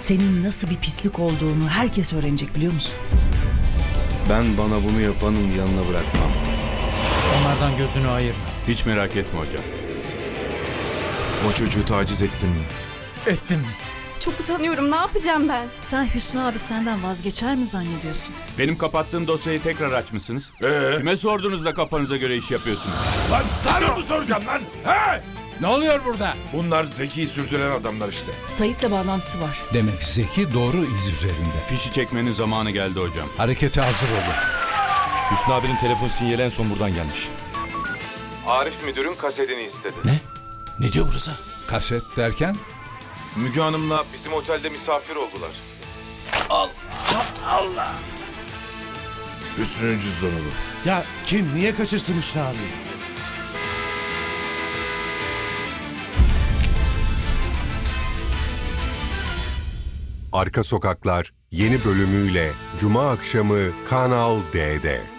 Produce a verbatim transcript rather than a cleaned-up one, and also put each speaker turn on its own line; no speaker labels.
senin nasıl bir pislik olduğunu herkes öğrenecek, biliyor musun?
Ben bana bunu yapanın yanına bırakmam.
Onlardan gözünü ayırma.
Hiç merak etme hocam.
O çocuğu taciz ettin mi?
Ettim.
Çok utanıyorum. Ne yapacağım ben?
Sen Hüsnü abi senden vazgeçer mi zannediyorsun?
Benim kapattığım dosyayı tekrar açmışsınız.
Ee?
Kime sordunuz da kafanıza göre iş yapıyorsunuz?
Lan sana mı soracağım lan? He?
Ne oluyor burada?
Bunlar zeki sürdüren adamlar işte.
Sait'le bağlantısı var.
Demek Zeki doğru iz üzerinde.
Fişi çekmenin zamanı geldi hocam.
Harekete hazır olun.
Hüsnü abinin telefon sinyali en son buradan gelmiş.
Arif müdürün kasetini istedi.
Ne? Ne diyor burası?
Kaset derken?
Müge Hanım'la bizim otelde misafir oldular.
Hüsnü'nün cüzdanı bu.
Ya kim? Niye kaçırsın Hüsnü abi?
Arka Sokaklar yeni bölümüyle Cuma akşamı Kanal D'de.